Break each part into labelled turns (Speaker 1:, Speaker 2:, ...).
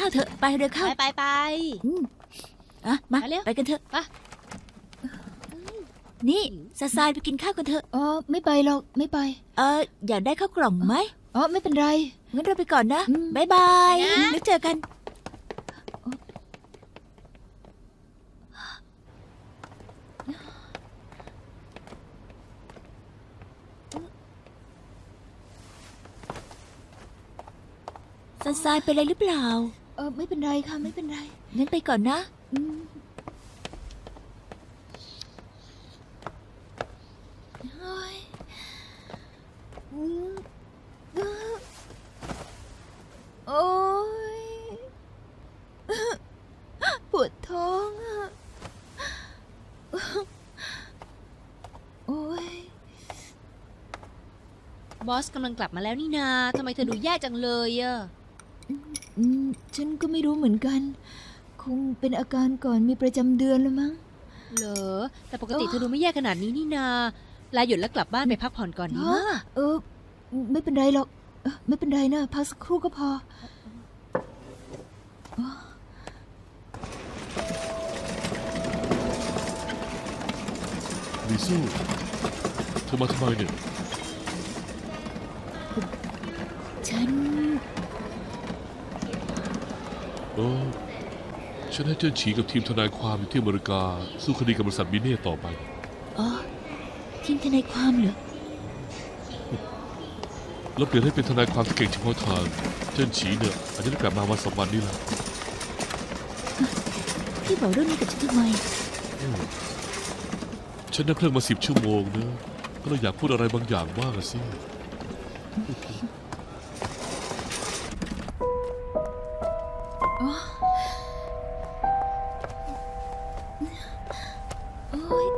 Speaker 1: าวเถอะไปเร็วเข้า
Speaker 2: ไป
Speaker 1: อืมมา
Speaker 2: ไปเร็ว
Speaker 1: ไปกันเถอะ
Speaker 2: ไป
Speaker 1: นี่ซาซายไปกินข้าวกันเถอะ
Speaker 3: อ๋อไม่ไปหรอกไม่ไป
Speaker 1: อยากได้ข้าวกล่องไหม
Speaker 3: อ๋อไม่เป็นไร
Speaker 1: งั้นเราไปก่อนนะ
Speaker 3: อืม
Speaker 1: บ๊ายบาย
Speaker 2: นะ
Speaker 1: แล้วเจอกันซาซายเป็นอะไรหรือเปล่า
Speaker 3: ไม่เป็นไรค่ะไม่เป็นไร
Speaker 1: งั้นไปก่อนนะ
Speaker 3: อืมโอ้ยอืมโอ้ยปวดท้องอะโอ้ย
Speaker 2: บอสกำลังกลับมาแล้วนี่นาทำไมเธอดูแย่จังเลยอะ
Speaker 3: ฉันก็ไม่รู้เหมือนกัน คงเป็นอาการก่อนมีประจำเดือนแล้วมั้ง
Speaker 2: เหรอแต่ปกติเธอดูไม่แย่ขนาดนี้นี่นาลาหยุดแล้วกลับบ้านไปพักผ่อนก่อนดีมาก
Speaker 3: ไม่เป็นไรหรอกไม่เป็นไรนะพักสักครู่ก็พอ
Speaker 4: ลิซูเธอมาทำไมเนี่ย
Speaker 3: ฉัน
Speaker 4: ฉันให้เจิ้นฉีกับทีมทนายความอยู่ที่อเมริกาสู้คดีกับบริษัทมิเน่ต่อไป
Speaker 1: อ๋อ ทีมทนายความเหรอ
Speaker 4: แล้วเปลี่ยนให้เป็นทนายความที่เก่งเฉพาะทางเจิ้นฉีเนี่ยอาจจะได้กลับมาวันสองวันนี้แหละ
Speaker 1: พี่บอกเรื่องนี้กับฉันทำไม
Speaker 4: ฉันนั่งเครื่องมา10 ชั่วโมงนะก็เลยอยากพูดอะไรบางอย่างบ้างอะสิ
Speaker 3: โอ๊ย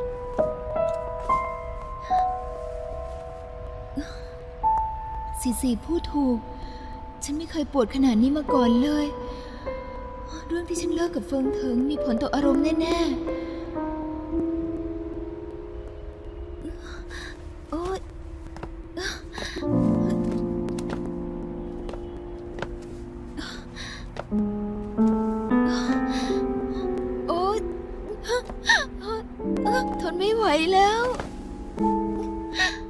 Speaker 3: สี่พูดถูก ฉันไม่เคยปวดขนาดนี้มาก่อนเลย เรื่องที่ฉันเลิกกับเฟิงเถิงมีผลต่ออารมณ์แน่ๆ โอ๊ยโอ๊ยทนไม่ไหวแล้ว